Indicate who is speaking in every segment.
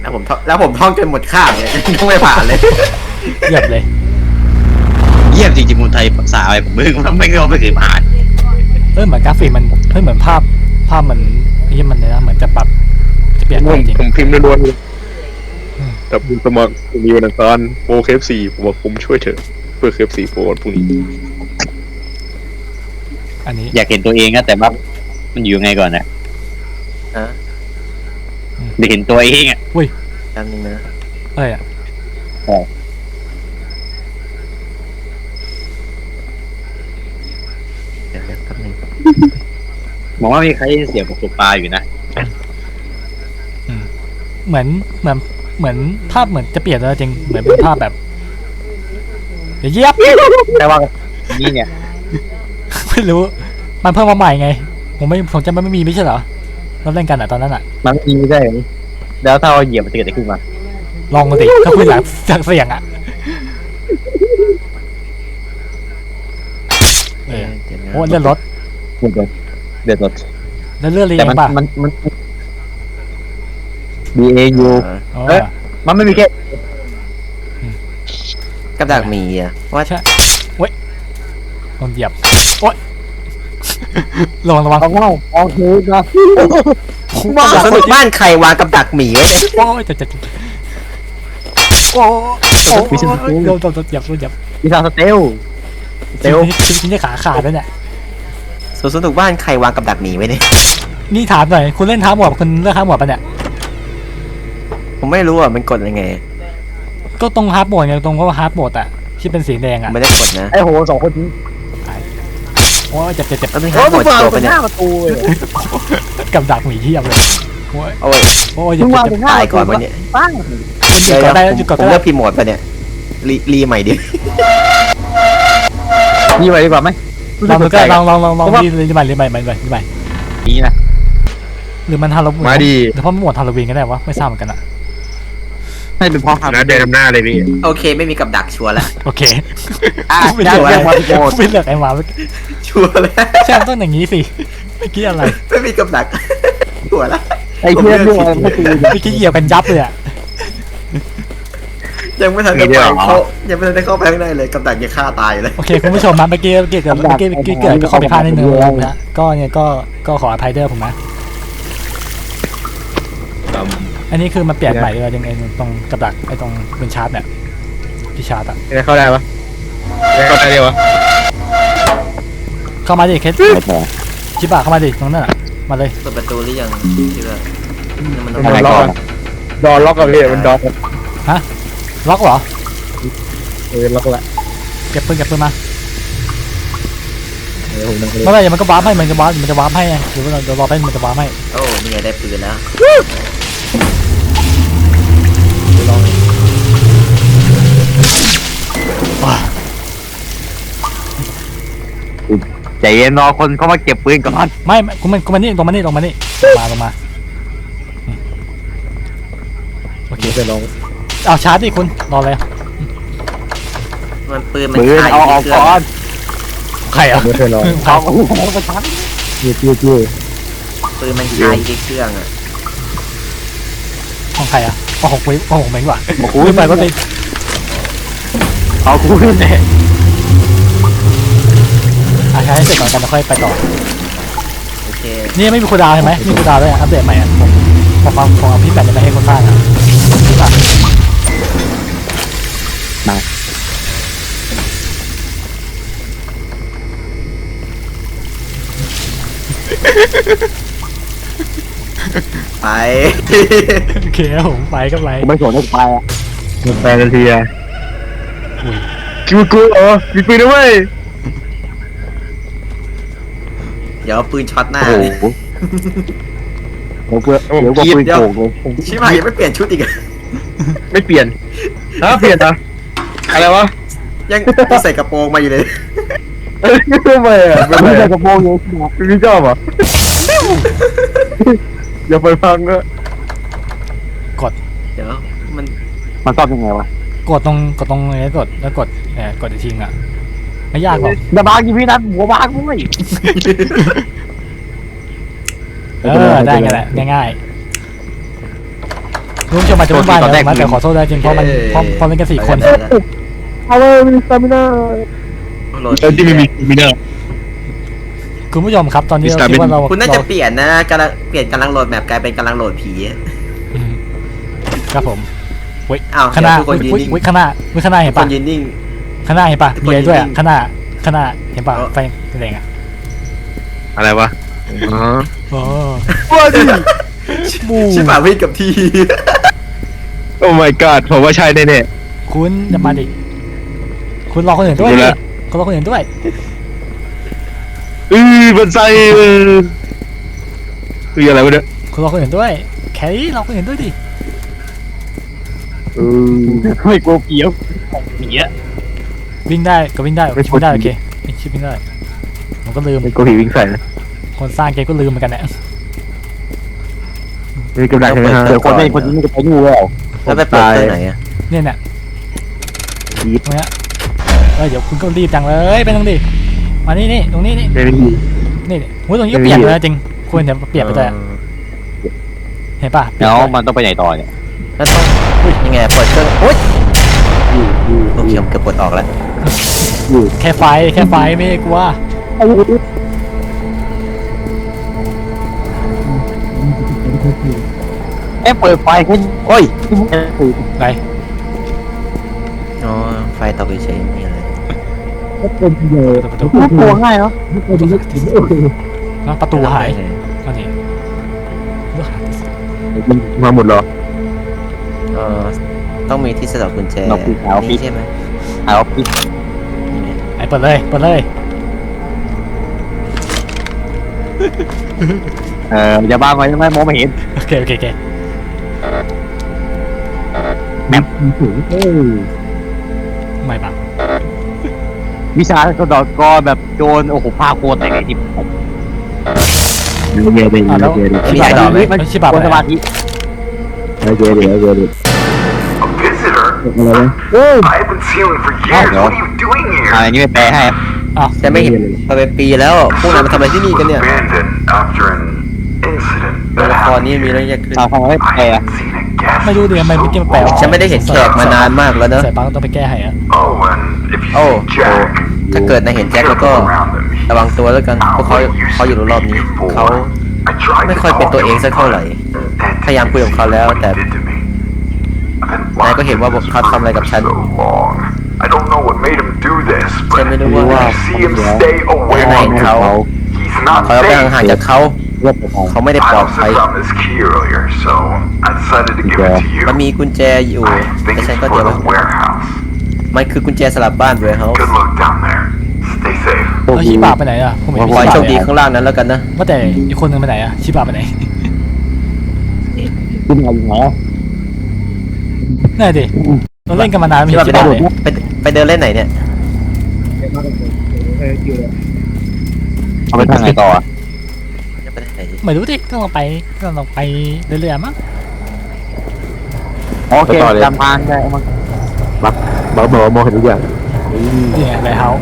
Speaker 1: แล้วผมท่องจนหมดข้างเลยต้องไม่ผ่านเลย
Speaker 2: เยียบเลย
Speaker 3: เยี่ยมจริงๆคนไทยภาษาอะไรผมไม่เคยผ่าน
Speaker 2: เหมือนกราฟิกมันเหมือนภาพมันที่มันเนี่ยนะเหมือนจะปรับจะเปลี่ยนไปจริง
Speaker 4: ผมพิมพ์ล้วนๆแต่คุณสมัครมีวันอังคารโปรเคฟซีผมว่าผมช่วยเถอะเพื่อเคฟซีโปรวันพรุ่งนี้
Speaker 2: อันนี้
Speaker 3: อยากเห็นตัวเองนะแต่ว่ามันอยู่ไงก่อนนะได้เห็นตัวเองอ่ะ
Speaker 1: จำนึงนะ
Speaker 2: อะไรอ่ะ
Speaker 1: เดี๋ยวแป๊บนึง
Speaker 3: มองว่ามีใครเสียงของตัวปลาอยู่นะ
Speaker 2: เหมือนภาพเหมือนจะเปลี่ยนแล้วจริงเหมือนเป็นภาพแบบเดี๋ยวเยียบ
Speaker 3: แต่ว่านี่เนี่ย
Speaker 2: ไม่รู้มันเพิ่มมาใหม่ไงผมจำไม่มีไม่ใช่เหรอเราเล่นกันอ่ะตอนนั้นอ่ะ
Speaker 3: มันมีได้แล้วถ้าเราเหยียบมันจะเกิดอะไรขึ้นมา
Speaker 2: ลองมาดิถ้าคุณอยากเสี่ยงอ่ะ
Speaker 1: เดี๋ยวนะ
Speaker 2: โอ้เลื่อนรถ
Speaker 3: เดือดรถ
Speaker 2: แล้วเลื่อนเรีย
Speaker 3: แต่
Speaker 2: งป่ะ
Speaker 3: มัน BAU
Speaker 2: อ๋อ
Speaker 3: มันไม่มีแค่
Speaker 1: กับดักหมีอ่ะว่า
Speaker 2: ใช่โอ้ยโดนเหยียบโอ้ยระวัง
Speaker 3: เอาคือนะ
Speaker 1: สรุปบ้านใครวางกับดักหมีไว้เนี่ย
Speaker 2: โอ้ยจะโอ้โดนเหยียบ
Speaker 3: วิชาสเตล
Speaker 2: ชิ้นนี้ขาขาดแล้วเนี่ย
Speaker 1: สรุปบ้านใครวางกับดักหมีไว้เนี่ย
Speaker 2: นี่ถามหน่อยคุณเล่นท้าหมวดคุณเลือกท้าหมวดปะเนี่ย
Speaker 1: ผมไม่รู้อ่ะมันกดยังไง
Speaker 2: ก็ตรงฮาร์ดโหมดไงตรงว่าฮาร์ดโหมดอ่ะที่เป็นสีแดงอ่ะ
Speaker 1: ไม่ได้กดนะ
Speaker 3: ไอ้โหสองคนนี้
Speaker 2: โอ้ยเจ็บ
Speaker 1: แล้วมีหาหมดตัวไปเนี่ย
Speaker 2: กับดักหมีเทียบเลยโอ้ย
Speaker 1: โอ้ย
Speaker 2: โอ้ยเจ็บ
Speaker 1: ตายก่อนวันนี้
Speaker 3: ปั้ง
Speaker 2: หยุดก่อนได้หยุดก่อน
Speaker 1: ผม
Speaker 2: ได้
Speaker 1: เลือกพิมพ์โหมดไปเนี่ยรีใหม่ดิ
Speaker 3: นี่ไปดีกว่าไหม
Speaker 2: ลองรีใหม่
Speaker 3: นี่นะ
Speaker 2: หรือมันฮาโลวีน
Speaker 4: มาดี
Speaker 2: หรือเพราะมันหมดฮาโลวีนก็ได้วะไม่ทราบเหมือนกันอ่ะ
Speaker 3: ให้เป็นพ่อครับ
Speaker 4: นะเดินนำหน้าเลยพี่
Speaker 1: โอเคไม่มีกับดักชัวร์แล้ว
Speaker 2: โอเค
Speaker 1: ไม่
Speaker 2: ไม่
Speaker 1: ชั
Speaker 2: เลื
Speaker 1: วร์
Speaker 2: อก
Speaker 1: แล้ว
Speaker 2: ไม่เลือกไอ้หมา
Speaker 1: ชัวร์แล้ว
Speaker 2: ใช่ต้องอย่างนี้สิไม่คิดอะไร
Speaker 1: ไม่มีกับดักชัวร์แล้ว
Speaker 3: ไอ้เพื่อนด้วยไม่คือ
Speaker 2: ไม่คิดเหยียบกันยับเลยอ่ะ
Speaker 1: ยังไม่ทันได้เข้าไปข้างในเลยกับดักยังฆ่าตายเลย
Speaker 2: โอเคคุณผู้ชมนะเมื่อกี้เกิดข้อผิดพลาดนิดนึงนะก็เนี่ยก็ขออภัยเด้อผมนะอันนี้คือมันเปลี่ยนใหม่เลยยังไงตรงกับดักไอ้ตรงเป็นชาร์จเนี่ยที่ชาร์จอ่ะ
Speaker 4: จะเข้าได้ปะเข้าได้เดียววะ
Speaker 2: เข้ามาดิเคสชิบะเข้ามาดิตรงนั้นอ่ะมาเลย
Speaker 1: เปิดประตูหรือยังที่ว่ามันต้อง
Speaker 4: มันล็อกดอล็อกกับพี่มันดอ
Speaker 2: ล็อกเหรอ
Speaker 4: ล็อกละ
Speaker 2: เก็บปืนมา
Speaker 4: ผมนั่ง
Speaker 2: เมื่อไหร่มันก็วาร์ปให้มันจะวาร์ปให้ไงหรือว่าเรารอไปมันจะวาร์ปให้
Speaker 1: โอ้นี่ไงได้ปืนแล้ว
Speaker 3: ใจเย็นรอคนเข้ามาเก็บปืนก่อน
Speaker 2: ไม่กูมานี่ลงมาลงมาโอเค
Speaker 4: จะลอง
Speaker 2: เอาชาร์จดิคุณรอเลย
Speaker 1: มันปืนมัน
Speaker 3: ปืน
Speaker 1: คา
Speaker 3: เอา
Speaker 1: ยู่
Speaker 3: ออก
Speaker 1: ที่เครื่
Speaker 3: ก่
Speaker 1: อง
Speaker 3: อน
Speaker 2: ใครอ่ะ
Speaker 4: ไม่เคยลอง
Speaker 3: เอาไปชั้น
Speaker 4: ยืด
Speaker 1: ปืนมันคาอยู่ที่เครื่องอ่ะ
Speaker 2: ของใครอ่ะของผมเองว่ะ
Speaker 3: บอกกู
Speaker 2: กูไปก็ไป
Speaker 3: เอากูขึ้นเลย
Speaker 2: ใช้ให้เสร็จก่อนกันแล้วค่อยไปต่อ
Speaker 1: โอเค
Speaker 2: นี่ไม่มีคูลดาวน์ใช่ไหมมีคูลดาวน์ด้วยอัปเดตใหม่อ่ะผมเอาพี่แปดจะไปให้คนบ้านอ่ะ
Speaker 1: ไป
Speaker 2: โอเคผมไปก็ไป
Speaker 3: ไม่สนให้กูไปอ่ะ
Speaker 4: แฟนทันทีอ่ะคิวกูมีปืนด้วย
Speaker 1: เดี๋ยวปืนช็อตหน้า
Speaker 3: โอ้
Speaker 1: เลย
Speaker 3: โหเดี๋ยวปืนโกงเลย
Speaker 1: ชิบหายยังไม่เปลี่ยนชุดอีก
Speaker 4: ไม่เปลี่ยนเปลี่ยนนะอะไรวะ
Speaker 1: ยังใส่กระโปรงมาอยู่เลย
Speaker 4: ทำไมอ่ะ
Speaker 3: ไม่ได้กระโปรงเยอะ
Speaker 4: พี่ชอบอ่ะอย่าไปฟังนะ
Speaker 1: เดี๋ยวมัน
Speaker 3: มันชอบยังไงวะ
Speaker 2: กดตรงนี้กดแล้วกดอีกทีอ่ะไม่ยากหรอก
Speaker 3: ดาบางกี่พี่นัทหัวบางด้วย
Speaker 2: ได้กันแหละง่ายคุณผู้ชมอาจจะไม่บ้านนะแต่ขอโทษด้วยจริงเพราะมันเพราะเป็นกัน4 คน
Speaker 4: เอาเลยมีสตามิน่า
Speaker 1: โหลด
Speaker 4: แล้วที่ไม่มีมิน่า
Speaker 2: คุณผู้ชมครับตอนนี้เราคิดว่าเรา
Speaker 1: คุณน่าจะเปลี่ยนนะกำลังโหลดแมปกลายเป็นกำลังโหลดผี
Speaker 2: ครับผมเว้ย
Speaker 1: อ้าว
Speaker 2: ข้างหน้า
Speaker 1: ทุกคนยืนนิ่ง
Speaker 2: เว้ยข้างหน้าเห็น
Speaker 1: ค
Speaker 2: ปะ
Speaker 1: นยืนนิ่ง
Speaker 2: ข้างหน้าเห็นปะ
Speaker 1: ทุก
Speaker 2: มี
Speaker 1: คน
Speaker 2: อะไรด้วยอะ
Speaker 1: ยืนนิ่ง
Speaker 2: ข้างหน้าเห็นปะไฟแดงอ่ะ
Speaker 4: อะไรวะอ๋อ
Speaker 2: โอ้
Speaker 4: ว่าดิ
Speaker 2: บู
Speaker 1: ชิบหายวิ่งกับที่
Speaker 4: โอ้ my god ผมว่าใช่แน่
Speaker 2: คุณจะมาดิคุณรอคนอื่นด้วย
Speaker 4: ดู
Speaker 2: ดิ
Speaker 4: แล้ว
Speaker 2: คุณรอคนอื่นด้วย
Speaker 4: มันใส่อะไรวะเนี่ย
Speaker 2: คุณรอคนอื่นด้วยแครี่รอคนอื่นด้วยดิ
Speaker 3: ไม่กลัวผีอ่ะผีอ่ะ
Speaker 2: วิ่งได้ก็วิ่งได้วิ่งได้โอเคชิปวิ่งได้ผมก็ลืม
Speaker 4: ไม่กลัวผีวิ่งใส่นะ
Speaker 2: คนสร้างเกมก็ลืมเหมือนกันเนี่ย
Speaker 4: มีกำลังใช่ไหมฮะ
Speaker 3: เดี๋ยวคนนี้จะไปดูแล้ว
Speaker 1: แล้วไปเปิดตัวไหนอ่ะ
Speaker 2: เนี่ยตรงเนี้ยเดี๋ยวคุณก็รีบจังเลยไปตรงดิมานี่ตรงนี้นี่
Speaker 4: ไม่มี
Speaker 2: นี่โอ้ยตรงนี้ก็เปลี่ยนเลยจริงคุณเห็นเปลี่ยนไปเลยเห็นปะ
Speaker 3: แล้วมันต้องไปไหนต่อเนี่ย
Speaker 1: แล้วต้องยังไงเปิดเครื่องโอ๊ยโอเคผมเกือบกดออกแล้ว
Speaker 2: แค่ไฟไม่กลัว
Speaker 3: เปิดไฟขึ้น
Speaker 1: โอ้ย
Speaker 2: ไหน
Speaker 1: อ๋อไฟตกเฉยๆมีอะไร
Speaker 2: ประตู
Speaker 3: น่ากลัวง่ายเนาะ
Speaker 2: ประตูหายก็นี่
Speaker 4: มาหมดเหรอ
Speaker 1: เออต้องมีที่สะดอกกุญแจนี่ใช่ไหม
Speaker 3: เอาปิด
Speaker 2: ไอ้เปิดเลย
Speaker 3: อย่าบ้าไว้ไม่มองไม่เห็น
Speaker 2: โอเคไม่บัง
Speaker 3: วิชาก็ดอกกอแบบโจรโอ้โหพาโคตรแต่ไงที่
Speaker 2: แล้ว
Speaker 1: มีใครตอบไหม
Speaker 2: มันชิบะ
Speaker 3: คนสมาธิ
Speaker 5: I've been sealing for years. What are you doing
Speaker 3: อะไร
Speaker 5: here?
Speaker 3: นี่ไม่แปลให้
Speaker 2: อ้าว
Speaker 1: แต่ไม่เห็นมาเป็นปีแล้วพวกนายมาทำอะไรที่นี่กันเนี่ย
Speaker 5: Abandoned after an incident
Speaker 1: ตัว
Speaker 5: that
Speaker 1: ละคร
Speaker 5: happened.
Speaker 1: นี้มีเรื่องแยกขึ้น
Speaker 3: ทำไมไม่แปล
Speaker 5: I haven't seen a guest.
Speaker 2: ไม่รู้ดิทำไมเมื่อกี้มันแปลว่า
Speaker 1: ฉันไม่ได้เห็นแขกมานานมากแล้วเนอะ
Speaker 2: ใส่ปังต้องไปแก้ให้อะ
Speaker 5: Oh, and if you
Speaker 1: Oh,
Speaker 5: see Jack,
Speaker 1: ถ้าเกิดนายเห็นแจ็คแล้วก็
Speaker 5: careful around him.
Speaker 1: ระวังตัวแล้วกันพวกเขาอยู่รอบนี้เขา
Speaker 5: I tried
Speaker 1: ไม่
Speaker 5: to
Speaker 1: ค่อยเป็น
Speaker 5: talk
Speaker 1: ตัว
Speaker 5: to
Speaker 1: เอง
Speaker 5: him
Speaker 1: สักเท่าไหร่
Speaker 5: and
Speaker 1: พยายามคุยกับเขาแล้วแต่
Speaker 5: what he did to me. I've been
Speaker 1: นายก็
Speaker 5: locked
Speaker 1: เห็น
Speaker 5: in
Speaker 1: ว่า
Speaker 5: this
Speaker 1: เขาทำอะไรกับ
Speaker 5: room
Speaker 1: ฉัน
Speaker 5: so long. I don't know what made him do this,
Speaker 1: ฉัน
Speaker 5: but
Speaker 1: ไม่รู้ว่า
Speaker 5: I see him stay away
Speaker 1: นาย
Speaker 5: from
Speaker 1: เห็น
Speaker 5: me.
Speaker 1: เขา
Speaker 5: He's not
Speaker 1: เขาไป
Speaker 5: safe.
Speaker 1: ห่างๆจากเขา เขาไม่ได้
Speaker 5: I
Speaker 1: ปลอด
Speaker 5: also
Speaker 1: ภัย
Speaker 5: found this key earlier, so I decided to give it to you.
Speaker 1: มันมีกุญแจอยู่
Speaker 5: I think
Speaker 1: แต่
Speaker 5: it's
Speaker 1: ฉันก็
Speaker 5: for
Speaker 1: เดี๋ยว
Speaker 5: the warehouse.
Speaker 1: มันคือกุญแจสลับบ้านเวร์เฮาส์
Speaker 5: Good luck down there. Stay safe.
Speaker 2: แล้วชิบะไปไหนอะผมเห็น
Speaker 1: ขอให้
Speaker 2: ชิ
Speaker 1: โช
Speaker 2: บะ
Speaker 1: คดีข้างล่างนั้นแล้วกันนะ
Speaker 2: ว่าแต่อีกคนนึงไปไหนอะชิบะไปไหน
Speaker 3: ขึ้นมาอยู่ไหน
Speaker 2: นั่นดิเราเล่นกันมานานไม่
Speaker 1: ที่
Speaker 2: เห็
Speaker 1: ว่าน
Speaker 2: ชิบะเลย
Speaker 1: ไปเดินเล่นไหนเนี่ย
Speaker 3: เอาไปทางไหนต่อ
Speaker 1: จะไปไหน
Speaker 2: ไม่รู้ดิต้องลองไปเรื่อยๆมั้ง
Speaker 3: โอเคจำทางได้มั้ง
Speaker 4: บอกมองเห็นทุกอย่าง
Speaker 2: นี่ไงไรเฮา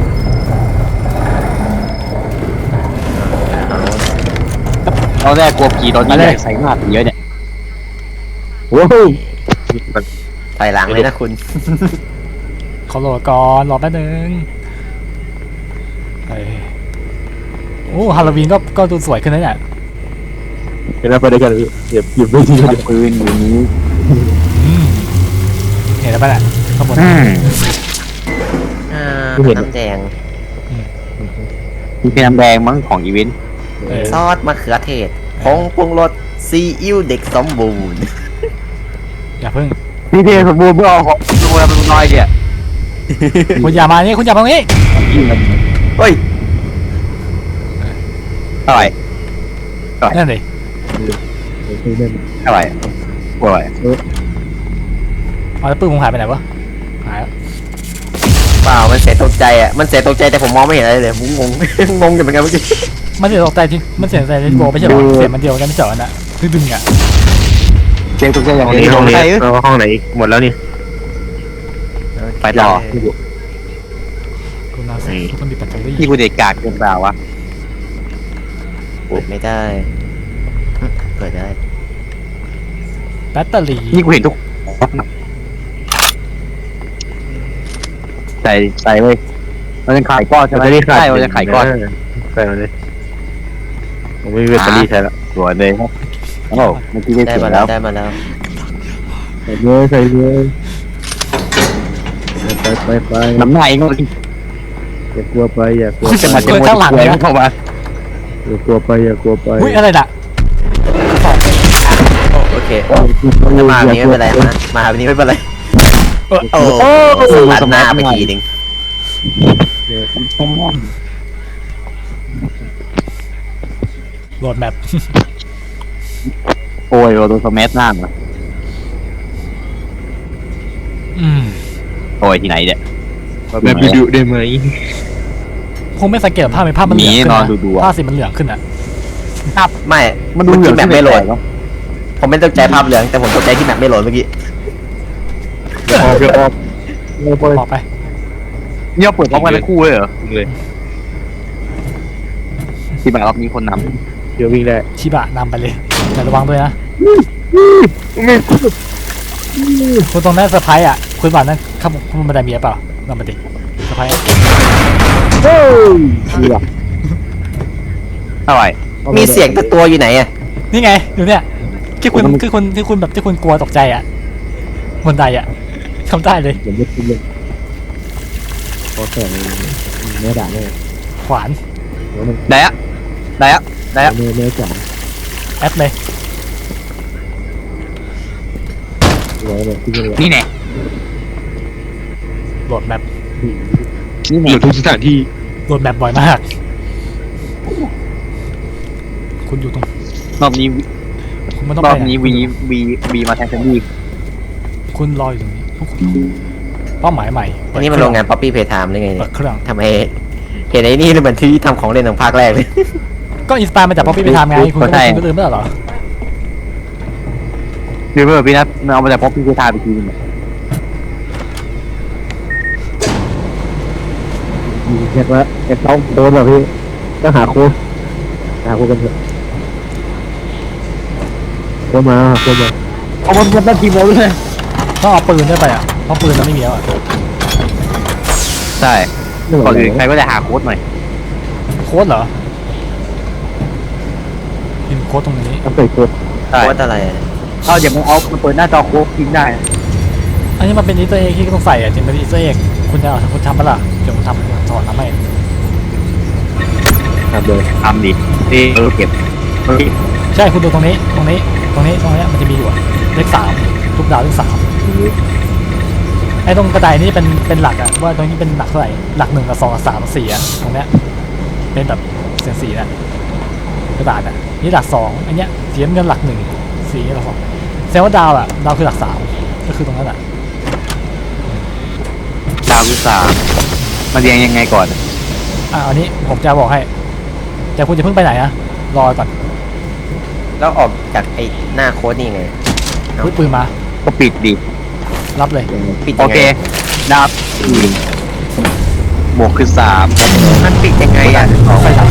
Speaker 3: ตอนแรกกลัวผีตอนนี้ใส่หน้าผีเยอะเนี่ย
Speaker 4: ว้าว
Speaker 1: ถอยหลังเลยนะคุณ
Speaker 2: เขาโหลดก่อนรอแป๊บนึงโอ้ฮาโลวีนก็ดูสวยขึ้นนะเนี่ย
Speaker 4: เห็นแล้วไปด้วยกันหยิบไม่ที
Speaker 3: ปืนอยู่นี้
Speaker 2: เห็นแล้วป่ะเนี่ยข้างบน
Speaker 1: น้ำแดง
Speaker 3: ที่เป็นน้ำแดงมั้งของอีเวนต์
Speaker 1: ซอสมะเขือเทศผงปรุงรสซีอิ๊วเด็กสมบูรณ์
Speaker 2: อย่าเพิ่ง
Speaker 3: พี่เทสมบูรณ์เพื่อเอาของดูแลมันน้อยเนี่ย
Speaker 2: คุณอย่ามานี่คุณอย่ามาตรงนี้
Speaker 1: เฮ้ย
Speaker 3: เท่าไหร่
Speaker 2: นั่นดิ
Speaker 3: เท่าไหร่กลัวอะไร
Speaker 2: เอาแล้วปืนผมหายไปไหนวะหายแล้ว
Speaker 1: เปล่ามันเสียตกใจอ่ะมันเสียตกใจแต่ผมมองไม่เห็นอะไรเลยผมงง งงอยู่เหมือนกันเมื่อกี้
Speaker 2: มันเสียตกใจที่มันเสียใจที่โบไม่ใช่หรอเสียมันเดียวกันไม่เจาะน่ะดึงอ่ะ
Speaker 3: เจ๊ตัวเจ๊อย่างนี้
Speaker 4: ห้องนี้
Speaker 3: ใช่
Speaker 4: ห้องไหนหมดแล้วนี่
Speaker 3: ไปต่อ
Speaker 2: คุณนาสิทุกคนมีแบตเตอรี่
Speaker 3: ที่กูเด็กกากเกินเปล่าวะ
Speaker 1: เปิดไม่ได้เปิดได้
Speaker 2: บตเตอรี่
Speaker 3: นี่กูเห็นทุกใส่เลยเราจะขายก้อนใช่ไหมใช่เราจะขายก้อน
Speaker 4: ใส่มาเลยผมไม่มีแบตเตอรี่ใช้ละ
Speaker 3: สวยเลยครับโอ้เมื่อกี้ได้
Speaker 1: ได้
Speaker 3: เสร็
Speaker 1: มา
Speaker 3: จ
Speaker 1: แล้
Speaker 3: แล้ว ว
Speaker 1: ได้มาแล้ว
Speaker 4: ใส่เลยใส่เลยไป
Speaker 3: น้ำหนักเองก็
Speaker 4: อย่ากลัวไปอย่ากลัว
Speaker 3: จะมา
Speaker 2: เกินข้างหลังเลยนะ
Speaker 3: เข้ามา
Speaker 4: อย่ากลัวไปอย่ากลัวไป
Speaker 2: อุ้ยอะไรน่ะ
Speaker 1: โอเคถ้ามาแบบนี้ไม่เป็นไรมาแบบนี้ไม่เป็นไรโอ้สลัดหน้าไปทีนึง
Speaker 2: โหลดแมป
Speaker 3: โอ้ยโดนสมัชหน้าเหรอ
Speaker 2: อืม
Speaker 3: โอ้ยที่ไหนเนี่ย
Speaker 4: แบบดุๆได้ไหม
Speaker 2: คงไม่สังเกตภาพเป็นภาพมันเหลืองขึ้น
Speaker 3: นอน
Speaker 2: นะ
Speaker 3: ดูๆอะ
Speaker 2: ภาพสีมันเหลืองขึ้นอ่ะ
Speaker 1: ไม่
Speaker 3: มันดูเหลือง
Speaker 1: แมปไม่โหลด
Speaker 3: เนาะ
Speaker 1: ผมไม่ตกใจภาพเหลืองแต่ผมตกใจที่แมปไม่โหลดเมื่อกี้
Speaker 4: อย่าออกอย่าออกอย่าไป
Speaker 2: ออกไป
Speaker 3: เนี่ยเปิดพร้อมกันทั้งคู่เลยเหรอ
Speaker 4: เลย
Speaker 3: ที่มารอบนี้คนน
Speaker 4: เดี๋ยววิ่งได้
Speaker 2: ชิบะนำไปเลยแต่ระวังด้วยนะคุณตรงนั้นเซอร์ไพรส์อ่ะคุณบอกนั่นข้ามบันไดเมียเปล่าลองมาดิเซอร์ไพรส์
Speaker 4: ดีว่ะ
Speaker 3: ำเท่าไหร่
Speaker 1: มีเสียงตัวอยู่ไหนอ่ะ
Speaker 2: นี่ไงอยู่เนี่ยที่คุณแบบที่คุณกลัวตกใจอ่ะบนไดอ่ะทำได้เลย
Speaker 4: อย่าเย็ดขึ้นเลยพอแต่เนื้อด่าเนี่ย
Speaker 2: ขวาน
Speaker 3: ได้อะเ
Speaker 4: เนื้อจ๋า
Speaker 2: แอดเลย
Speaker 4: หัวเลยที่นี่
Speaker 3: นี่แน่
Speaker 2: โหลดแมป
Speaker 3: นี่
Speaker 4: อ
Speaker 3: แน่
Speaker 4: ยู่ทุกสถานที่
Speaker 2: โหลดแมปบ่อยมาก คุณอยู่ตรง
Speaker 3: รอบนี้
Speaker 2: คุณไม่ต้อง
Speaker 3: ร
Speaker 2: ไป
Speaker 3: อบนี้
Speaker 2: ไห
Speaker 3: วีมาแทนแซนดี้
Speaker 2: คุณรออยู่ตรงนี้เป้าหมายใหม่
Speaker 1: อันนี้มันโรงงานป๊อปปี้เพย์ไทม์หรือไง
Speaker 2: เปิ
Speaker 1: เนี่
Speaker 2: ด
Speaker 1: ย
Speaker 2: เครื่อง
Speaker 1: ทำไมเห็นไอ้นี่เหมือนที่ทำของเล่นของภาคแรกเลย
Speaker 2: ก็อินสปายมาจากป๊อปปี้ไปทำไงคุณก็ลืมไม่ได้หรอ
Speaker 3: คือเพื่อนพี่นัทเอามาจากป๊อปปี้กูทาไปทีนึง
Speaker 4: เช็คแล้วเอ็กซ์ต้องโค้ดเหรอพี่ต้องหาโค้ดกันเถอะโค้ดมาโค้ดมา
Speaker 3: เอามันตั้งทีมเราด้วย
Speaker 2: ต้องเอาปืนด้วยไปอ่ะเพราะปืนเราไม่มีแล้วอ่ะ
Speaker 3: ใช่ก่อนอื่นใครก็จะหาโค้ดหน่อย
Speaker 2: โค้ดเหรอพิมพ์โค้ดตรงนี้
Speaker 4: ต้องใส่โค้ด
Speaker 3: ใช่
Speaker 1: โคตรอะไรอะ
Speaker 3: เอาเดี๋ยวมึงเอาเปิดหน้าจอโค้ดทิ้งได้
Speaker 2: อันนี้มันเป็นอีสเตอร์เอ็กที่ต้องใส่อ่ะจริงเป็นอีสเตอร์เอ็กคุณจะคุณทำปะล่ะเดี๋ยวผมทำสอนทำให้
Speaker 4: ทำเลย
Speaker 3: ทำดิเก็บ
Speaker 2: ใช่คุณดูตรงนี้มันจะมีอยู่เลข3ทุกดาวเลข3ไอ้ตรงกระไดนี่เป็นหลักอ่ะว่าตรงนี้เป็นหลักเท่าไหร่หลัก1กับ2กับ3กับ4อ่ะตรงเนี้ยเป็นแบบเสียงสีน่ะกระดาษอ่ะนี่หลัก2อันเนี้ยเสียเงินหลัก1สีหลัก2แสดงว่าดาวอ่ะดาวคือหลัก3ก็คือตรงนั้นแหละ
Speaker 3: ดาววิสามาเรียงยังไงก่อน
Speaker 2: อันนี้ผมจะบอกให้แต่คุณจะเพิ่งไปไหนอะรอก่อน
Speaker 1: แล้วออกจากไอ้หน้าโค้ดนี่ไง
Speaker 2: พึ่งปืนมา
Speaker 3: ก็ปิดดิ
Speaker 2: รับเลย
Speaker 1: ปิด
Speaker 3: โอ
Speaker 1: ยัง
Speaker 3: เค
Speaker 1: ไง
Speaker 3: ดาวบวกคือ3
Speaker 1: มันปิดยังไงอ่ะ
Speaker 2: ไปรับ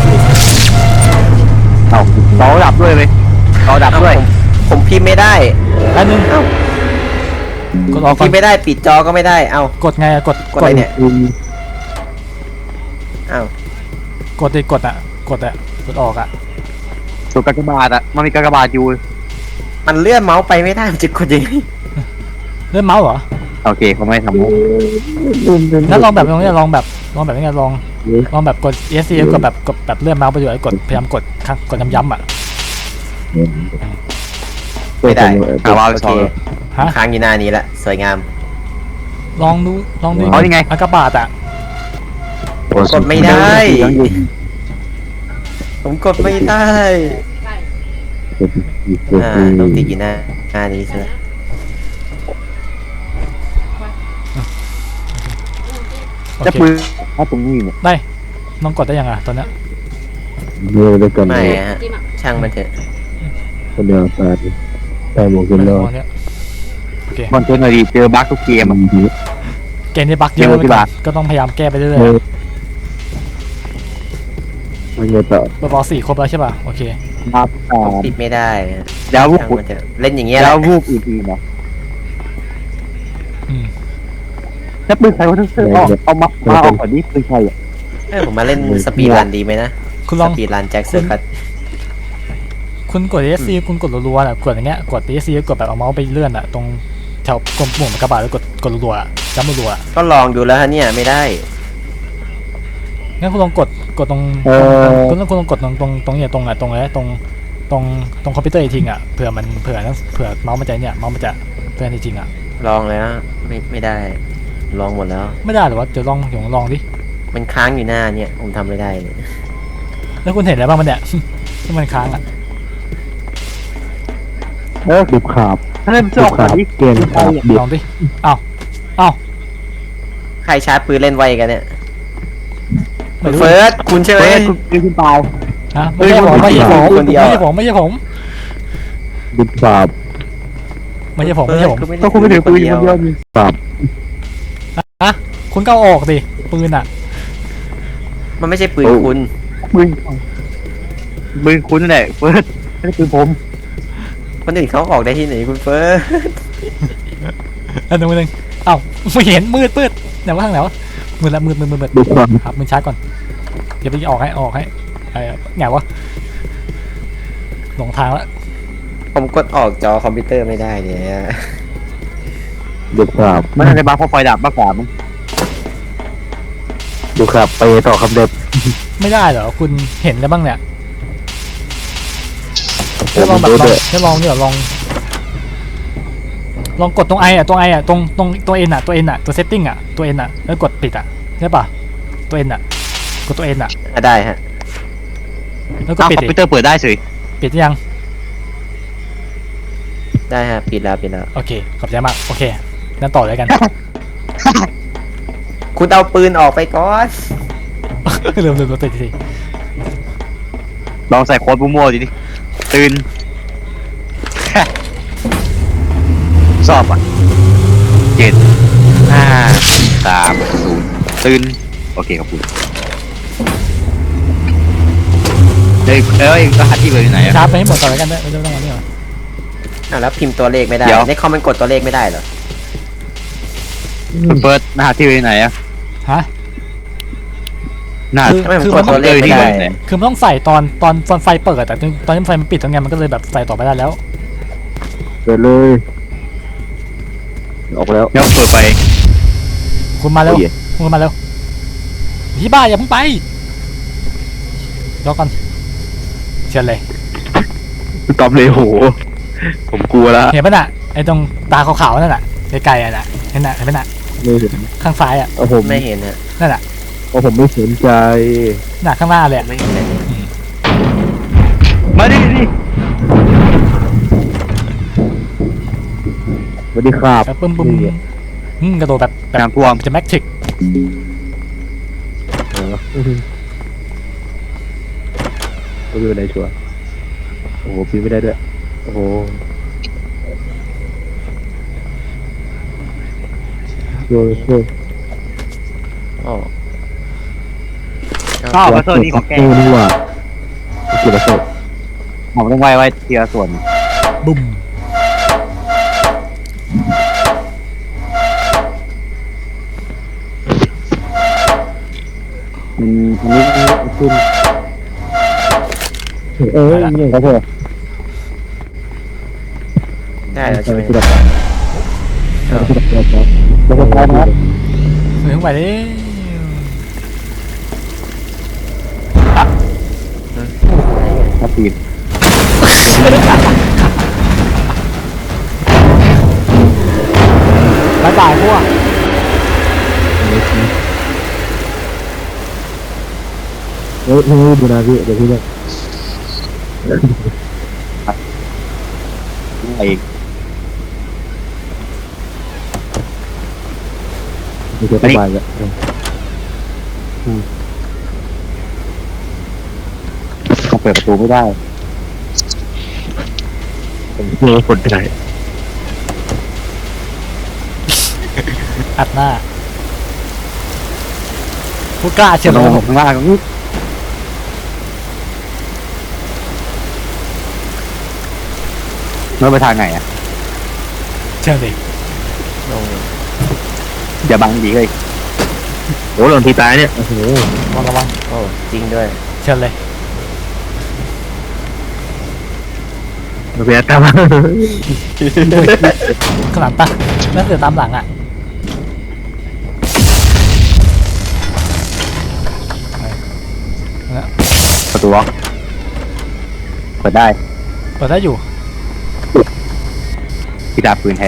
Speaker 3: เอาเราดับด้วยไหมเราดับด้วย
Speaker 1: ผมพิมพ์ไม่ได้
Speaker 2: อันนึงกดออกก่อ
Speaker 1: พิ
Speaker 2: น
Speaker 1: มพ์ไม่ได้ปิดจอก็ไม่ได้เอ้าก
Speaker 2: ดไงอะกด
Speaker 1: กดอะไรเนี่ยเอ้าก
Speaker 2: ดดิกดอะกดออกอะ
Speaker 3: ตัวกากบาทอ่ะมันมีกากบาทอยู่
Speaker 1: มันเลื่อนเมาส์ไปไม่ได้มันจะกดยังไง
Speaker 2: เลื่อนเมาส์เหรอ
Speaker 3: โอเคเขาไม่ทำมุก
Speaker 2: งั้นลองแบบนี้ลองแบบนี้ลองแบบกด ESC กดแบบเลื่อนเมาส์ไปอยู่ไอ้กดพยายามกดกดย้ำๆอะ
Speaker 1: ไม่ได้
Speaker 3: เอาว่า
Speaker 1: โอ
Speaker 3: สอ
Speaker 1: เค
Speaker 3: ง
Speaker 2: ฮะ
Speaker 1: ค้างอยู่หน้านี้ละสวยงาม
Speaker 2: ลองดู
Speaker 3: เอายังไง
Speaker 2: อากาบาตอะ
Speaker 1: กดไม่ได้ ผมกดไม่ได้ต้องติดอยู่หน้านี้ใช่ไหม
Speaker 2: โอ
Speaker 3: จะ
Speaker 2: เค
Speaker 3: ปืนเอาตรงนี้เนี่ย
Speaker 2: ได้ลองกดได้ยังอะตอนเนี้ย
Speaker 4: เนื้อด้วยกัน
Speaker 1: ไม่ฮะช่างมันเถอะ
Speaker 4: คนเดียวตายใส่หมวกกันน็อก
Speaker 2: ตอนเนี้ยโอเค
Speaker 3: คอนเทนต์อะไรดีเจอบั๊กทุกเกมอ่ะ
Speaker 2: เกมนี้บั๊กเยอะ
Speaker 3: เดี๋ยวที่บ้าน
Speaker 2: ก็ต้องพยายามแก้ไปเรื่อย
Speaker 4: มันเงยต่อ
Speaker 2: ๆเบอร์บอล4ครบแล้วใช่ป่ะโอเค
Speaker 6: ครับ
Speaker 1: ติดไม่ได้
Speaker 6: แล้วพวก
Speaker 1: ช่าง
Speaker 6: คุณ
Speaker 1: มันเถอะเล่นอย่างเงี้ยแห
Speaker 6: แล้
Speaker 1: ละ
Speaker 6: วพวกอื่นๆนะ
Speaker 2: อืม
Speaker 6: ถ้าปืนใครวะทั้งเสื้อเอามาออกก่อนนี้ปืนใครอ่ะ
Speaker 1: ผมมาเล่นสปีดรันดีไหมนะ
Speaker 2: คุณล
Speaker 1: ส
Speaker 2: อง
Speaker 1: ปีดรันแจ็คเซอร์คัต
Speaker 2: คุณกด ESC คุณกดรัวๆอ่ะกดอย่างเงี้ยกด ESC กดแบบเอาเมาส์ไปเลื่อนอ่ะตรงแถวกลมปุ่มกระบะแล้วกดรัวๆอ่ะย้ำรัวๆอ่ะ
Speaker 1: ก็ลองดูแล้วฮะเนี่ยไม่ได้
Speaker 2: งั้นคุณลองกดตรงคุณลองกดตรงเนี่ยตรงอ่ะตรงอะไรตรงคอมพิวเตอร์จริงๆอ่ะเผื่อเมาส์มันจะเนี่ยเมาส์มันจะเตือนจริงๆอ่ะ
Speaker 1: ลองแล้วไม่ได้ ลองหมดแล้ว
Speaker 2: ไม่ได้หรอวะเดี๋ยวลองดิ
Speaker 1: มันค้างอยู่หน้าเนี่ยผมทำไม่ได้เลย
Speaker 2: แล้วคุณเห็นอะไรบ้างมันเนี่ย ที่มันค้างอ่ะ
Speaker 6: ดูขาบถ้าเล่นเสื้อออกก่อนนี้เกณฑ์ใครอ่ะ
Speaker 2: ลองดิเอ้า
Speaker 1: ใครชาร์จปืนเล่นไวกันเนี่ย
Speaker 2: ไม่รู้
Speaker 1: เฟิร์สคุณใช่ไหม
Speaker 6: คุณตาย
Speaker 2: ฮะไม่ใช่ผมไม่ใช่ผม
Speaker 1: คนเดียว
Speaker 2: ไม่ใช่ผมไม่ใช่ผม
Speaker 6: ดูขาบ
Speaker 2: ไม่ใช่ผมไม่ใช่ผม
Speaker 6: ก็คุณไม่ถือปืนคนเดียวนี่ขาบ
Speaker 2: ฮะคุณก็เอาออกดิปืนอ่ะ
Speaker 1: มันไม่ใช่ปืนคุณ
Speaker 6: ปืนคุณนั่นแหละเฟิร์สไม่ได้ปืนผม
Speaker 1: คนอื่นเขาออกได้ที่ไหนคุณเฟิร์ส
Speaker 2: อันนึงเอ้าไม่เห็นมืดไหนวะทางไหนวะมืดละมืด
Speaker 6: ดูขาบ
Speaker 2: ครับมือชาร์จก่อนเดี๋ยวไปออกให้ไอ้ไงวะหลงทางละ
Speaker 1: ผมกดออกจอคอมพิวเตอร์ไม่ได้เนี่ย
Speaker 6: ดูขาบไม่ได้บ้าเพราะไฟดับมากกว่ามั้งดูขาบไปต่อคำเด็บ
Speaker 2: ไม่ได้เหรอคุณเห็นแล้วบ้างเนี่ย
Speaker 6: ผม
Speaker 2: ลองแบบ
Speaker 6: ดู
Speaker 2: ลอง
Speaker 6: ด้วย
Speaker 2: ลองเนี่ยลองกดตรงไออ่ะตรงตัวเอ็นอ่ะตัวเซตติ้งอ่ะตัวเอ็นอ่ะแล้วกดปิดอ่ะใช่ป่ะตัวเอ็นอ่ะกดตัวเอ็นอ่ะ
Speaker 1: ได้ฮะ
Speaker 2: แล้วก็
Speaker 3: อ้าว
Speaker 2: ปิด
Speaker 3: คอม
Speaker 2: ดิ
Speaker 3: พิวเตอร์เปิดได้สิ
Speaker 2: ปิดยัง
Speaker 1: ได้ฮะปิดแล้ว
Speaker 2: โอเคขอบใจมากโอเคงั้นต่อเลยกัน
Speaker 1: คุณเอาปืนออกไปก่อน
Speaker 2: ลืมติดที
Speaker 3: ลองใส่โค้ดมั่วๆดิตื่น สอบอ่ะ7 5 3 0ตื่นโอเคขอบคุณเฮ้ยรหัสที่เบอร์อยู่ไหนอ่ะ
Speaker 2: ชาร์จไปให้หมดต่อเลยกันด้วยไม่ต้องมานี่หรอ
Speaker 1: แล้วพิมพ์ตัวเลขไม่ได้
Speaker 3: เดี๋ยว
Speaker 1: ในคอมมันกดตัวเลขไม่ได้เหรอ
Speaker 3: คุณเฟิร์สรหัสที่เบอร์อยู่ไหนอ่ะ
Speaker 2: ฮะ
Speaker 3: รหัส
Speaker 1: ทำไมผม
Speaker 2: คือก
Speaker 1: ดตัวเลขไม่ได้
Speaker 2: คือมันต้องใส่ตอนไฟเปิดแต่ตอนที่ไฟมันปิดตรงไงมันก็เลยแบบใส่ต่อไม่ได้แล้ว
Speaker 6: เปิดเลยออกแล้ว
Speaker 3: เดี๋ยวเปิดไป
Speaker 2: คุณมาเร็ว
Speaker 6: โอ้ย
Speaker 2: คุณมาเร็วพี่บ้าอย่าเพิ่งไปรอก่อนเชิญเลย
Speaker 4: ตอบเลยโห ผมกลัวละ
Speaker 2: เห็นป่ะน่ะไอ้ตรงตาขาวๆนั่นน่ะไกลๆอ่ะน่ะเห็นป่ะน่ะ
Speaker 6: ไม่เห็น
Speaker 2: ข้างซ้ายอ่ะ
Speaker 6: เอาผม
Speaker 1: ไม่เห็นฮะ
Speaker 2: นั่นน่ะ
Speaker 6: เอาผมไม่สนใจ
Speaker 2: น่ะข้างหน้าเลย
Speaker 1: ไม่เห็นเลย
Speaker 3: มาดิ
Speaker 6: สวัสดีครับ
Speaker 2: แบบปึ้มกระโดดแบบ
Speaker 3: น้ำท่วม
Speaker 2: จะแม็กทริก
Speaker 6: ก็ไม่เป็นไรชัวร์โอ้โหปีนไม่ได้ด้วยโอ้โหโยนโยน
Speaker 1: อ๋อ
Speaker 3: ก็เอาพัซเซิลนี่ของแก
Speaker 6: นี่ว่าเกี่ยวกับโซ่
Speaker 3: ผมต้องไว้ทีละส่วน
Speaker 2: บุ้ม
Speaker 6: อันนี้ขึ้นนี่ครับผม
Speaker 1: ได้แล้วใช่ไหม
Speaker 6: ที่ดับแล้วก็พร้อมครับ
Speaker 2: ถึงไปดิ
Speaker 6: ครับปีน
Speaker 2: บายบายพวก
Speaker 6: เฮ้ยดูนะพี่เดี๋ยวพี่เนี่ย
Speaker 3: ไอ้
Speaker 6: มีเจอสบายแล้ว
Speaker 3: เขาเปิดประตูไม่ได้
Speaker 6: ผมเชื่อว่าคนไปไหน
Speaker 2: อัดหน้าผู้กล้าเชียว
Speaker 3: ลงข้างล่าง
Speaker 6: เมื่อไปทางไหนอ่ะ
Speaker 2: เชิญดิ
Speaker 1: ลง
Speaker 6: อย่าบังดีเลย
Speaker 4: โอ้หล่นทีตายเนี่ย
Speaker 6: โอ้โห
Speaker 2: ระวัง
Speaker 1: โอ้จริงด้วย
Speaker 2: เชิญเลย
Speaker 4: เราไปตาม
Speaker 2: ข้างหลังปะนั่นเสือตามหลังอ่ะไป
Speaker 6: ประตูล็อกเปิดได้
Speaker 2: เปิดได้อยู่
Speaker 6: ที่ดาบปืนแท้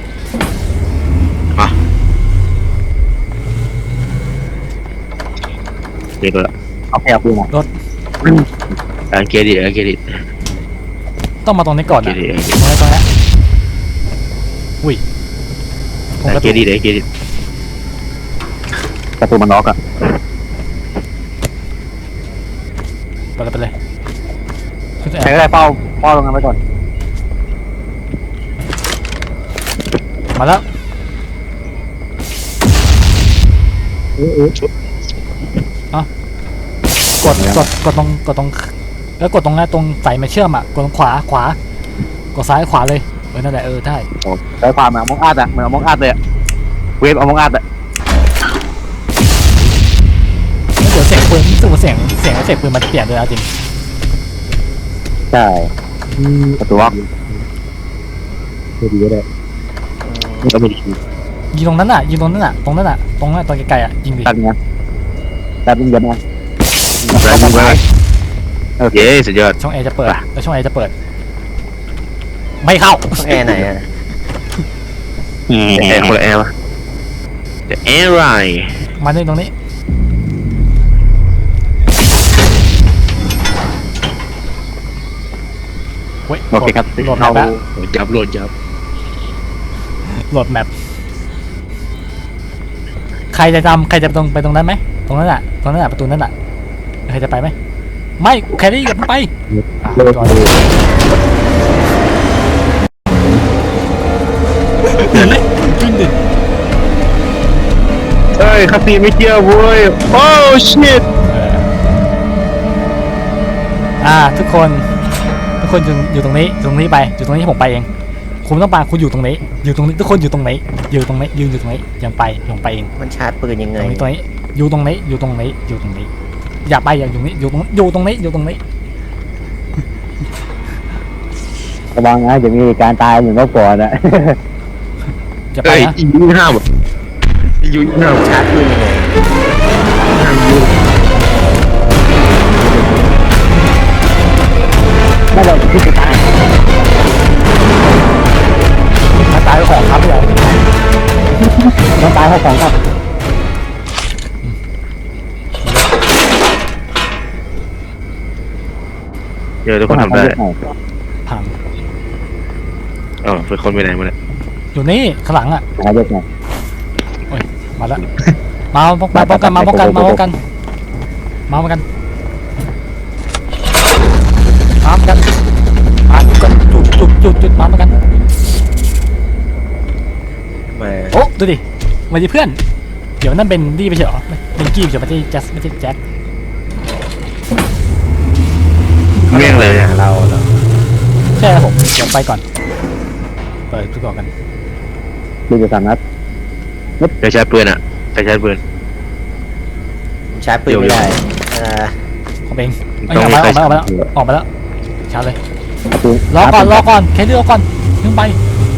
Speaker 4: เด็กละ
Speaker 6: เอาแค่เอาปืนมา
Speaker 4: อังเกดิอังเกดิ
Speaker 2: ต้องมาตรงนี้ก่อน
Speaker 4: เก
Speaker 2: นะ
Speaker 4: ดิ
Speaker 2: ตรงนี้อุ้ยผม
Speaker 4: อั
Speaker 2: ก
Speaker 4: ง
Speaker 2: ระ
Speaker 4: เก
Speaker 2: ตุก
Speaker 4: ดิอังเกดิ
Speaker 6: ประตูมันล็อกอ่ะ
Speaker 2: ไปเลยขึ้น
Speaker 6: ใครก็ได้เฝ้าตรงนั้นไว้ก่อน
Speaker 2: มาแล้วกดตรงแล้วกดตรงนั้นตรงใส่มาเชื่อมอ่ะกดตรงขวากดซ้ายขวาเลยนั่นแหละได้
Speaker 6: โอ้ใช้ความเหมือนมองอาดอ่ะเหมือนมองอาดเลยเวฟเอามองอาดอ่ะ
Speaker 2: แล้วเดี๋ยวเสียงปืนรู้สึกว่าเสียงเอฟเฟกต์ปืนมันเปลี่ยนเลยจริง
Speaker 6: ใช่ประตูล็อกดีก็ได้
Speaker 4: ก็ไม่ดี
Speaker 2: ยิงตรงนั้นอ่ะตรงนั้นตรงไกลๆอ่ะยิงดิ
Speaker 6: ตัดเงี้ยตัดเงี้ยมา
Speaker 4: แรงมากโอเคสุดยอด
Speaker 2: ช่องแอร์จะเปิดแล้วช่องแอร์จะเปิด ไม่เข้า
Speaker 1: ต้องแอร์ไหนอ่ะ
Speaker 4: แอร์คนละแอร์วะแต่แอร์ไร
Speaker 2: มาตรงนี้เว้ย
Speaker 6: โอเคครับ
Speaker 2: โหลดแมปแล้ว
Speaker 4: จับโหลดจับ
Speaker 2: โหลดแมปใครจะไปตรงนั้นไหมตรงนั้นอ่ะประตูนั้นอ่ะใครจะไปไหมไม่แครี่อย่าไปจอดขึ้นดิ
Speaker 4: เฮ้ยคาซีไม่เกี่ยวเว้ยโอ้ชิต
Speaker 2: ทุกคนอยู่ตรงนี้ไปอยู่ตรงนี้ผมไปเองคุณต้องไปคุณอยู่ตรงนี้ทุกคนอยู่ตรงนี้ยืนอยู่ตรงนี้ยังไปผมไปเอง
Speaker 1: มันชาร์จปืนยังไง
Speaker 2: ตรงนี้อยู่ตรงนี้อย่าไปอย่าอยู่นี้อยู่ตรงนี้
Speaker 6: ระวังนะจะมีการตายเหมือนเมื่อก่อนอ่ะ
Speaker 2: จะไป
Speaker 4: เฮ้ย
Speaker 2: นะ
Speaker 4: ยูห้ามยูห้าม
Speaker 1: ชาร์จปืนยังไง
Speaker 6: ไม่เราที่จะตาย
Speaker 2: ถ้าตายก็ของครับเลย
Speaker 6: ต้องตายเพราะของครับ
Speaker 4: เดี๋ยวทุกคนทำได้
Speaker 2: พัง
Speaker 4: เป็นคนไปไหนมาเนี่ย
Speaker 2: อยู่นี่ข้างหลังอ่ะ
Speaker 6: หาเด็กหน่อย
Speaker 2: โอ้ยมาแล้วมาป้องกันมากันจุดมากันโอ้ดูดิมาดิเพื่อนเดี๋ยวนั่นเป็นดีไปเฉยเป็นกี้เฉยไม่ใช่แจ็ค
Speaker 4: เมี่ยงเลยอ่ะ
Speaker 1: เราเหรอ
Speaker 2: ใช่ครับผมเดี๋ยวไปก่อนเปิดดูก่อนกัน
Speaker 6: ดูจะสามนัด
Speaker 4: ใครใช้ปืนอ่ะใครใช้ปืน
Speaker 1: ผมชาร์จปืนไม่ได้
Speaker 2: ผมเองออกมาแล้วชาร์จเลย
Speaker 6: ประตู
Speaker 2: รอก่อนแค่เลือกก่อนขึ้นไป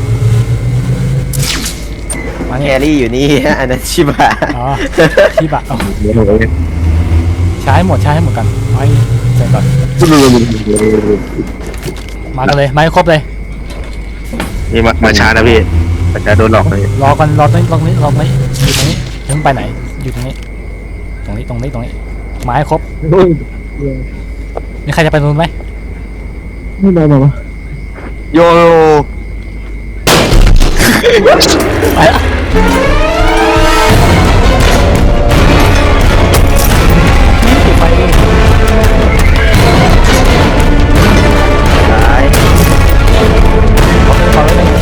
Speaker 2: มา
Speaker 1: แค
Speaker 2: เนี่ย
Speaker 1: รี่อยู่นี่ อันนั้นชิบะ
Speaker 2: อ๋อที่บะเอา
Speaker 6: เดี๋ยวเลย
Speaker 2: ใช้ให้หมดกันไว้เสร็จก่อนมากันเลยมาให้ครบเลย
Speaker 4: นี่มาช้านะพี่มันจะโดนหลอกเลย
Speaker 2: รอตรงนี้อยู่ตรงนี้ถึงไปไหนอยู่ตรงนี้มาให้ครบมีใครจะไปตรงนู้นไหม
Speaker 6: ไม่ได้หรอ
Speaker 4: โย
Speaker 2: ไปละปิดไฟดิ
Speaker 1: ซ้าย
Speaker 2: ขอไว้เลย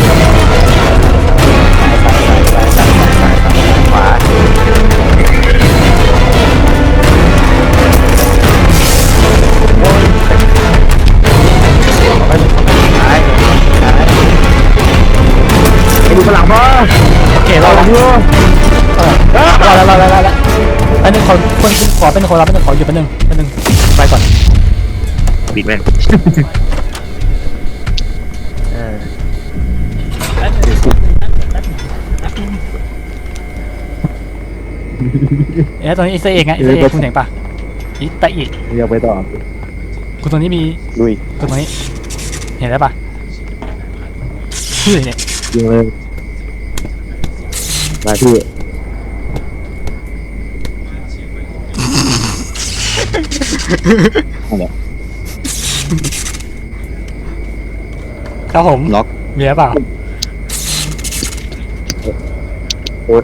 Speaker 1: ขวา ซ้าย
Speaker 6: อยู่ข้างหลังพ่อ
Speaker 2: โอเครอแล้วแล้วอันนึงขอเป็นคนรับเป็นขออยู่เป็นหนึ่งไปก่อน
Speaker 3: ปิดแม่ง
Speaker 1: อ่า
Speaker 2: ตรงนี้อีสเตอร์เอ็กไงอีสเตอร์เอ็กคุณเห็นปะอีสเตอร์เอ็ก
Speaker 6: อยากไปต่อ
Speaker 2: คุณตรงนี้มี
Speaker 6: ลุย
Speaker 2: คุณตรงนี้เห็นได้ปะชื่อเนี่ย
Speaker 6: ยิงเลยมาที่
Speaker 2: ครับผม
Speaker 3: ล็อก
Speaker 2: มีหรือเปล่า
Speaker 6: โอ๊ต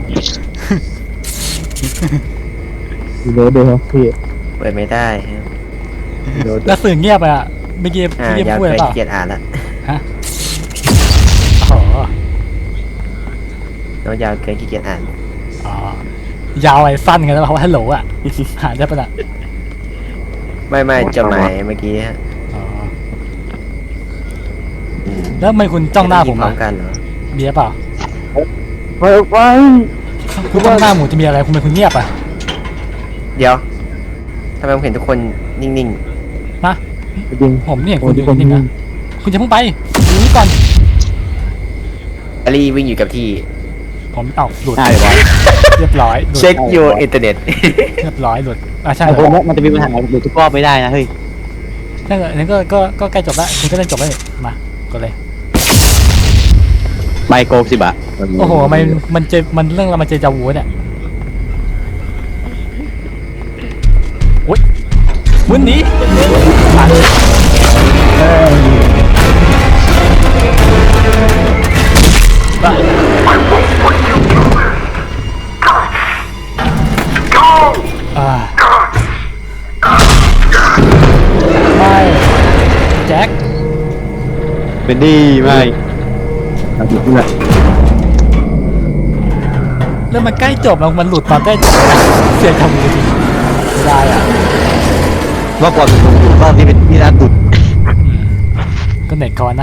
Speaker 6: โน้ตด้วยครับพี่
Speaker 1: เปิดไม่ได้ฮะ
Speaker 6: โน้ต
Speaker 2: แล้วสื่อเงียบไปอ่ะเมื่อกี้
Speaker 1: อ่ายาว
Speaker 2: พูด
Speaker 1: เกิ
Speaker 2: อะไร
Speaker 1: น
Speaker 2: เปล่า
Speaker 1: ขี้เกียจอ่านละ
Speaker 2: ฮะอ๋อ
Speaker 1: น้องยาวเกินขี้เกียจอ่าน
Speaker 2: อ๋อยาวไอ้สั้นกันแล้วเพราะว่าฮัลโหลอ่ะหาได้ปะน่ะ
Speaker 1: ไม่จดหมายเมื่อกี้ฮะ
Speaker 2: อ๋อแล้วทำไมคุณจ้องหน้าผม
Speaker 1: พร้อ
Speaker 2: อ่ะ
Speaker 1: มกันเหรอ
Speaker 2: มีหรือเปล่า
Speaker 6: ไป
Speaker 2: คุณจ้องหน้าหมูจะมีอะไรคุณเป็นคุณเงียบอ่ะ
Speaker 1: เดี๋ยวทำไมผมเห็นทุกคนนิ่ง
Speaker 2: นะ
Speaker 6: จริง
Speaker 2: ผมเนี่ยคุณอยู่นิ่งๆนะคุณจะเพิ่งไปดูนี่ก่อน
Speaker 1: ๆแอลลี่วิ่งอยู่กับที่
Speaker 2: ผมเอ้าหลุด
Speaker 6: ใช่ไว้
Speaker 2: เรียบร้อยหลุด
Speaker 1: เช็ค your อินเทอร์เน็ต
Speaker 2: เรียบร้อยหลุดใช่
Speaker 6: ไอ้
Speaker 2: เหร
Speaker 6: คน
Speaker 2: อ
Speaker 6: นี้มันจะมีปัญหาหรือทุกรอบไม่ได้นะเฮ้ย
Speaker 2: ถ้าเกิดอันนี้ก็ใกล้จบแล้วคุณก็เล่นจบแล้วนี่มากดเลย
Speaker 6: ไมโกสิบะ
Speaker 2: โอ้โหมันเรื่องเรามันเจจาวูเนี่ยโอ๊ยวันนี้บ้า อ่าไม่แจ็ค
Speaker 6: เป็นดีไม่เอาดิเพื่อน
Speaker 2: แล้วมันใกล้จบแล้วมันหลุดตอนใกล้จบนะเสียทำจริงไม่ได้อ่ะ
Speaker 6: ว่าก่อนเป็นคนรอบที่เป็นที่น่าดุด
Speaker 2: ก็เน็ตก่อนนะ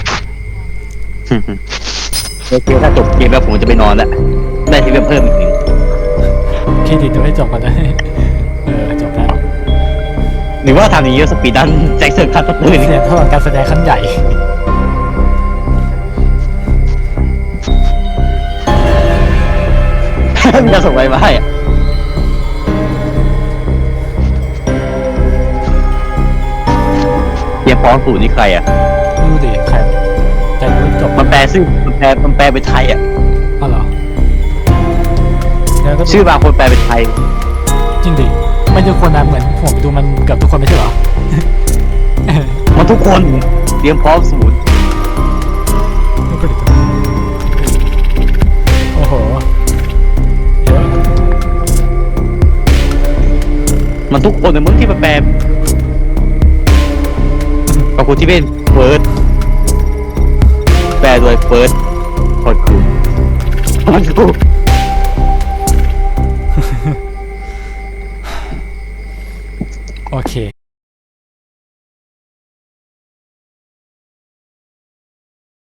Speaker 6: โอเคถ้าจบเกมแล้วผมจะไปนอนแล้วได้ที่เพิ่มอีกหนึ่ง
Speaker 2: เครดิตจะไม่จบก่อนนะจบแล้ว
Speaker 6: หรือว่าทำอย่างนี้สปีดดันแจ็คเซอร์คัตปืน
Speaker 2: เสียเท่ากับการแสดงครั้งใหญ่
Speaker 6: มันจะส่งไปมาให้อะเตรียมพร้อมสูตรนี่ใครอ่ะ
Speaker 2: ไม่รู้ดิใครจะรู้จบ
Speaker 6: มันแปลชื่อมันแปลเป็นไทยอ่ะ
Speaker 2: อ๋อเหรอแล้วก็
Speaker 6: ชื่อบางคนแปลเป็นไทย
Speaker 2: จริงดิไม่ทุกคนนะเหมือนผมดูมันเกือบทุกคนไม่ใช่เหรอ
Speaker 6: มันทุกคนเตรียมพร้อมสูตร
Speaker 2: โอ้โหเยอะ
Speaker 6: มันทุกคนในมึงที่มันแปลบางคนที่เป็นเฟิร์สแปลโดยเฟิร์สคนคูมันคู
Speaker 2: โอเค